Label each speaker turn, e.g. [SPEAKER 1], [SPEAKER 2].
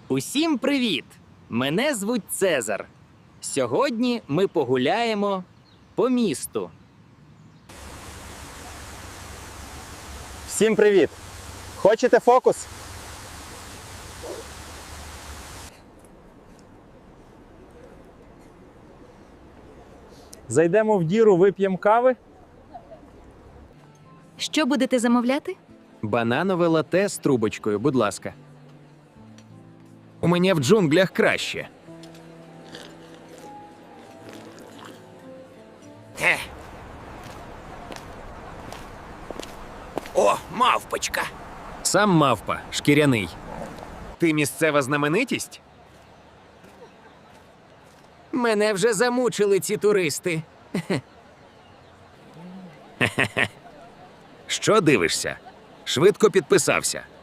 [SPEAKER 1] Усім привіт! Мене звуть Цезар. Сьогодні ми погуляємо по місту.
[SPEAKER 2] Всім привіт! Хочете фокус? Зайдемо в діру, вип'ємо кави.
[SPEAKER 3] Що будете замовляти?
[SPEAKER 4] Бананове лате з трубочкою, будь ласка. У мене в джунглях краще.
[SPEAKER 1] О, мавпочка!
[SPEAKER 4] Сам мавпа, шкіряний. Ти місцева знаменитість?
[SPEAKER 1] Мене вже замучили ці туристи.
[SPEAKER 4] Що дивишся? Швидко підписався.